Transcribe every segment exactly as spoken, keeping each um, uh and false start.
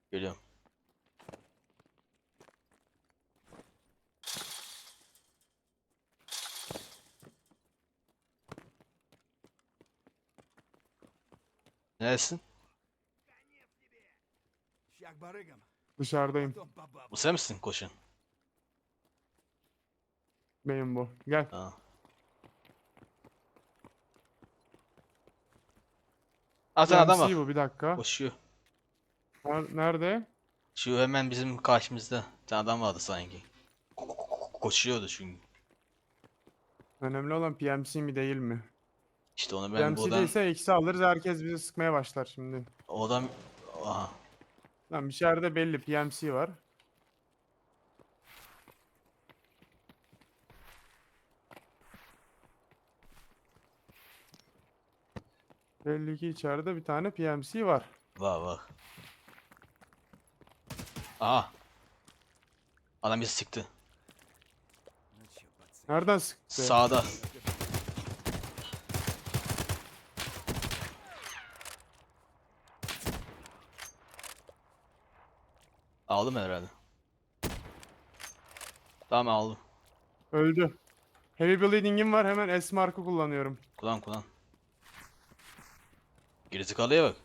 Geliyorum. Neresin? Şyak barıgam. Dışarıdayım. Потом по бабам. Bu sen misin koşun? Benim bu. Gel. Ha. Aa, sen adam var. P M C bu, bir dakika. Koşuyor. Ner- Nerede? Şu hemen bizim karşımızda. Bir tane adam vardı sanki. Ko- ko- ko- Koşuyordu çünkü. Önemli olan P M C mi değil mi? İşte onu ben P M C buradan... değilse eksi alırız, herkes bizi sıkmaya başlar şimdi. O adam... Aha. Lan bir yerde belli P M C var. Belli ki içeride bir tane P M C var. Var var. Aha. Adam bizi sıktı. Ну чё, пацан? Nereden sıktı? Sağda. Aldım herhalde. Tamam aldım. Öldü. Heavy bleeding'im var, hemen S markı kullanıyorum. Kullan kullan. Gerizekalıya bak.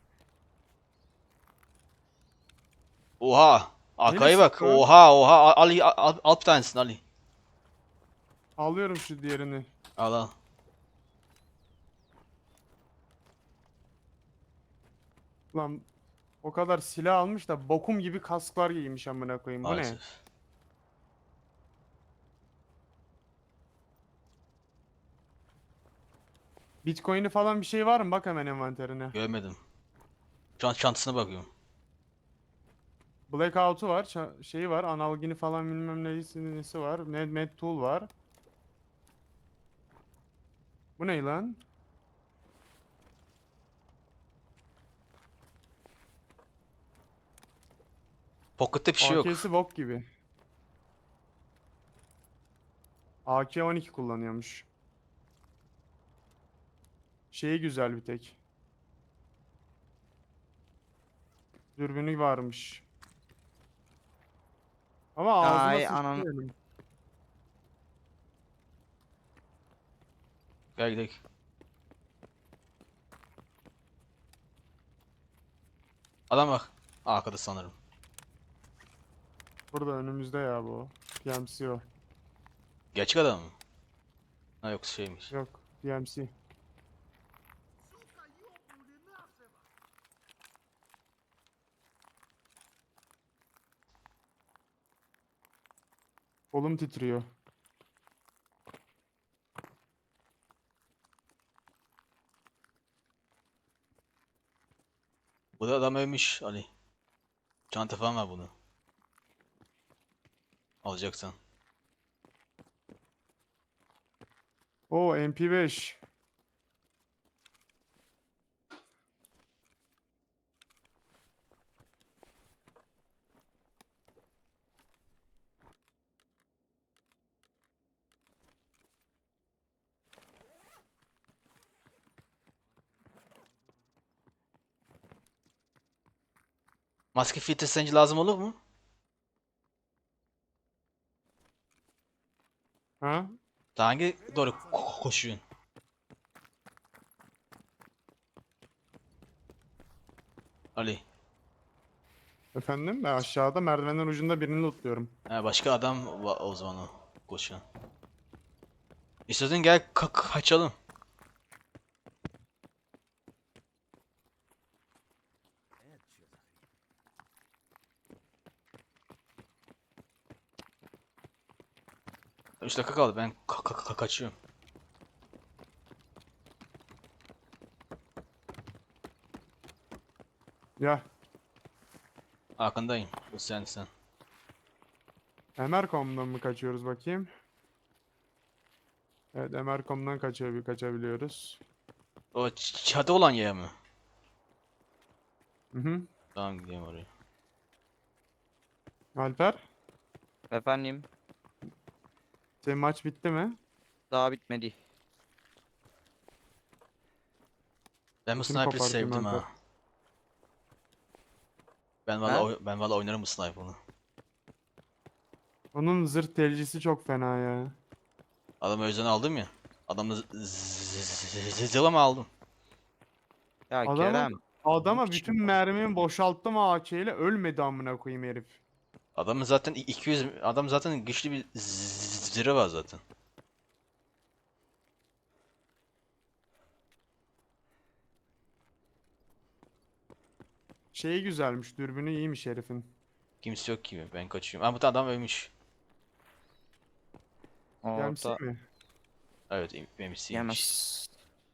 Oha. Arkaya bak. sıktı o? Oha oha. Al, Ali al, al, al bir tanesini Ali. Alıyorum şu diğerini. Al al. Lan o kadar silah almış da bokum gibi kasklar giymiş amına koyayım. Bu ne? Maalesef. Bitcoin'i falan bir şey var mı? Bak hemen envanterine. Görmedim. Şu an çantasına bakıyorum. Blackout'u var, ça- şeyi var, analgini falan bilmem neyisi nesi var. Med, med tool var. Bu ne lan? Pocket'te bir şey yok. A K'si bok gibi. A K on iki kullanıyormuş. Şeyi güzel bir tek. Dürbünü varmış. Ama ağzıma Ay sıçtı ananı. benim. Gel gidelim. Adam bak. Arkada sanırım. Burada önümüzde ya bu. P M C o. Gerçek adam mı? Ha yok şeymiş. Yok, P M C. Kolum titriyor. Bu da adam ölmüş Ali. Çanta falan var bunu. Alacaksan. Oo, M P beş. Maske filtre sence lazım olur mu? Ha? Daha hangi doğru ko- koşuyorsun? Ali. Efendim? Ben aşağıda merdivenin ucunda birini lootluyorum. Ha, başka adam var o zaman o koşan. İstiyorsan gel ka- kaçalım. Это чё за хрень? üç dakika kaldı ben ka- ka- ka- kaçıyorum. Ya, Arkandayım. Bu sen sen. Emercom'dan mı kaçıyoruz bakayım? Evet, Emercom'dan kaçıyor, kaçabiliyoruz. O ç- çatı olan yer mi? Hı hı. Tamam gideyim oraya. Alper, Efendim senin maç bitti mi? daha bitmedi. Ben bu Kim sniper'ı kopartayım sevdim Alper? ha. Ben valla Ha? oy- ben valla oynarım bu sniper'ını. Onun zırh delicisi çok fena ya. Adamı özden aldım ya. Adamı z- z- z- zıla mı aldım? Ya Adamı Kerem. adama biçim bütün konuş- mermimi boşalttım A K ile ölmedi amına koyayım herif. Adamın zaten iki yüz adam zaten güçlü bir z- zırhı var zaten. Şeyi güzelmiş, dürbünü iyiymiş herifin. Kimse yok gibi. Ben kaçıyorum. Ama bu adam ölmüş. Gelmişsin Orta mi? Evet, im- ölmüşsünmüş. yemez.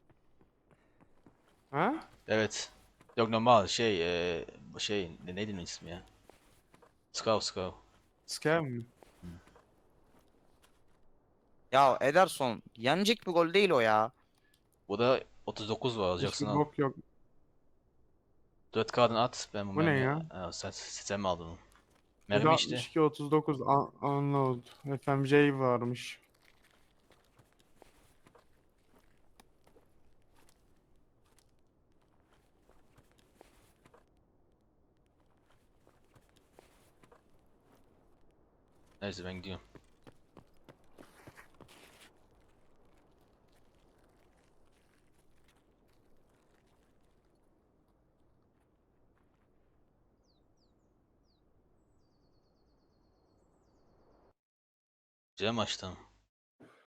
Ha? Evet. Yok normal şey eee şey ne neydi onun ismi ya? Skav Skav. Scav mi? Ya Ederson yenecek bir gol değil o ya. Bu da otuz dokuz var alacaksın Hiçbir al. bok yok. dört K'dan at. Ben bu Bu ne mermiyi... ya? Aa, sen, sen mi aldın onu? Bir de Mermi işte. altmış iki otuz dokuz un- unload. F M J varmış. Neyse ben gidiyorum. Güzel maçtı ama.